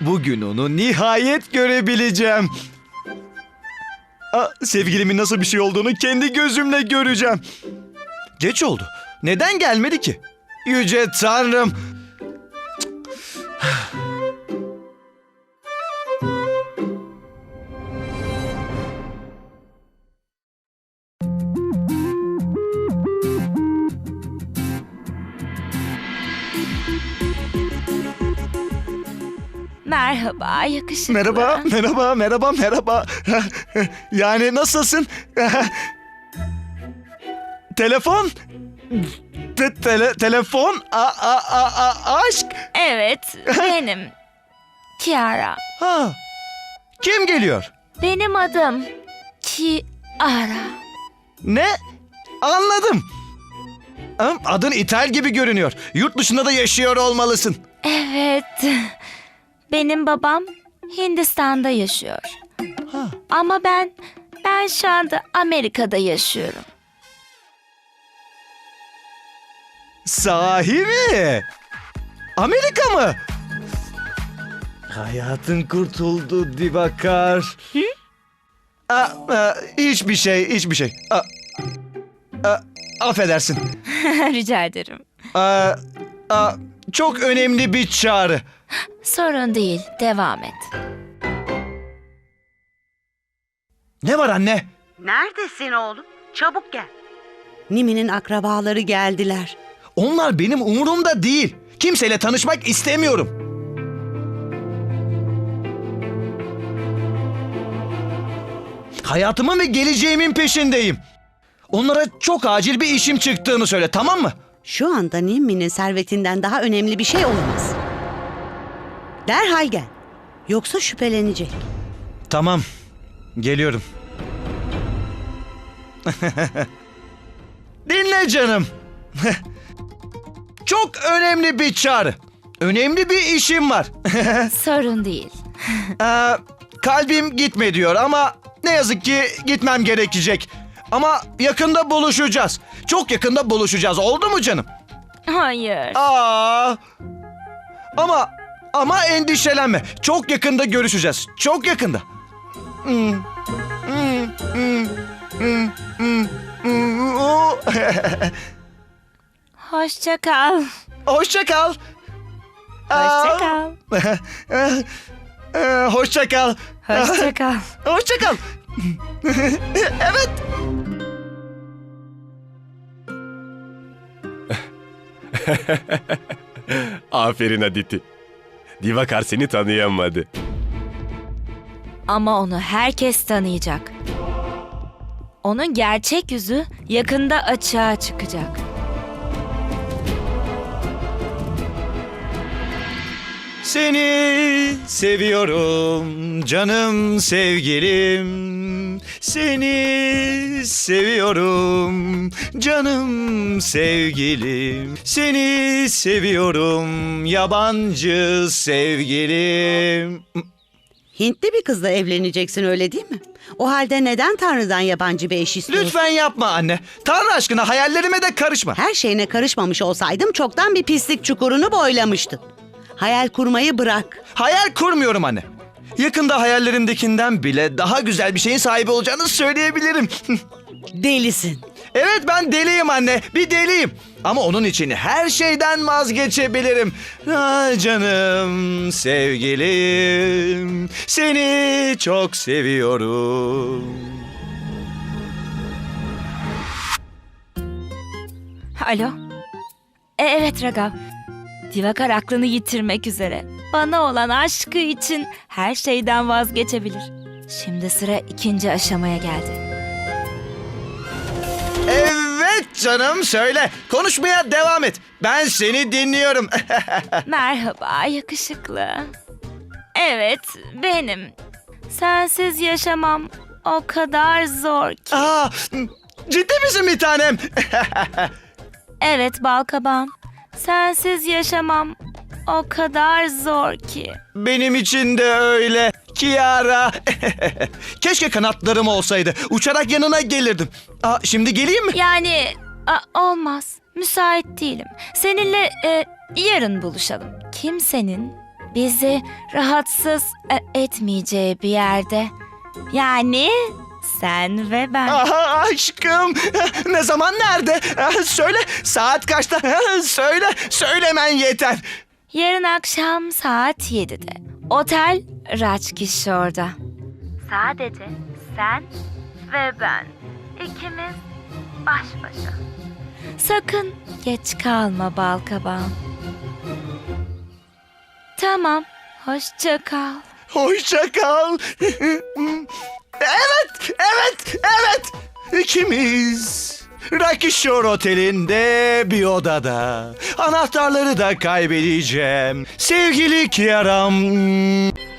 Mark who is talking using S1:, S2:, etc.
S1: Bugün onu nihayet görebileceğim. Sevgilimin nasıl bir şey olduğunu kendi gözümle göreceğim. Geç oldu. Neden gelmedi ki? Yüce Tanrım.
S2: Merhaba, yakışıklı.
S1: Merhaba. Yani nasılsın? Telefon? Telefon? Aşk?
S2: Evet, benim. Kiara.
S1: Ha. Kim geliyor?
S2: Benim adım Kiara.
S1: Ne? Anladım. Adın İtal gibi görünüyor. Yurt dışında da yaşıyor olmalısın.
S2: Evet. Benim babam Hindistan'da yaşıyor.
S1: Ha.
S2: Ama ben şu anda Amerika'da yaşıyorum.
S1: Sahi mi? Amerika mı? Hayatın kurtuldu Divakar.
S2: Hı?
S1: Hiçbir şey. Affedersin.
S2: Rica ederim.
S1: Çok önemli bir çağrı.
S2: Sorun değil, devam et.
S1: Ne var anne?
S3: Neredesin oğlum? Çabuk gel. Nimi'nin akrabaları geldiler.
S1: Onlar benim umurumda değil. Kimseyle tanışmak istemiyorum. Hayatımın ve geleceğimin peşindeyim. Onlara çok acil bir işim çıktığını söyle, tamam mı?
S3: Şu anda Nimi'nin servetinden daha önemli bir şey olamaz. Derhal gel. Yoksa şüphelenecek.
S1: Tamam, geliyorum. Dinle canım. Çok önemli bir çağrı. Önemli bir işim var.
S2: Sorun değil.
S1: Kalbim gitme diyor ama ne yazık ki gitmem gerekecek. Ama yakında buluşacağız. Çok yakında buluşacağız. Oldu mu canım?
S2: Hayır.
S1: Ama endişelenme. Çok yakında görüşeceğiz. Çok yakında.
S2: Hoşça kal.
S1: Hoşça kal.
S2: Hoşça kal.
S1: Hoşça kal.
S2: Hoşça kal.
S1: Hoşça kal. Evet.
S4: Aferin Aditi. Divakar seni tanıyamadı.
S2: Ama onu herkes tanıyacak. Onun gerçek yüzü yakında açığa çıkacak.
S1: Seni seviyorum canım sevgilim. Seni seviyorum canım sevgilim. Seni seviyorum yabancı sevgilim.
S3: Hintli bir kızla evleneceksin, öyle değil mi? O halde neden Tanrı'dan yabancı bir eş istiyorsun?
S1: Lütfen yapma anne. Tanrı aşkına hayallerime de karışma.
S3: Her şeyine karışmamış olsaydım çoktan bir pislik çukurunu boylamıştın. Hayal kurmayı bırak.
S1: Hayal kurmuyorum anne. Yakında hayallerimdekinden bile daha güzel bir şeyin sahibi olacağını söyleyebilirim.
S3: Delisin.
S1: Evet, ben deliyim anne. Bir deliyim. Ama onun için her şeyden vazgeçebilirim. Canım sevgilim. Seni çok seviyorum.
S2: Alo. Evet Ragav. Divakar aklını yitirmek üzere. Bana olan aşkı için her şeyden vazgeçebilir. Şimdi sıra ikinci aşamaya geldi.
S1: Evet canım, söyle. Konuşmaya devam et. Ben seni dinliyorum.
S2: Merhaba yakışıklı. Evet, benim. Sensiz yaşamam o kadar zor ki.
S1: Ciddi misin bir tanem?
S2: Evet balkabağım. Sensiz yaşamam o kadar zor ki.
S1: Benim için de öyle. Kiara. Keşke kanatlarım olsaydı. Uçarak yanına gelirdim. Şimdi geleyim mi?
S2: Yani olmaz. Müsait değilim. Seninle yarın buluşalım. Kimsenin Bizi rahatsız etmeyeceği bir yerde. Yani sen ve ben.
S1: Aha, aşkım. Ne zaman, nerede? Söyle, saat kaçta? Söylemen yeter.
S2: Yarın akşam saat 7'de. Otel Rajkishore'da. Sadece sen ve ben. İkimiz baş başa. Sakın geç kalma balkabağım. Tamam, hoşça kal.
S1: Hoşça kal. Evet. İkimiz Rakishore Oteli'nde bir odada. Anahtarları da kaybedeceğim. Sevgili Kiaram.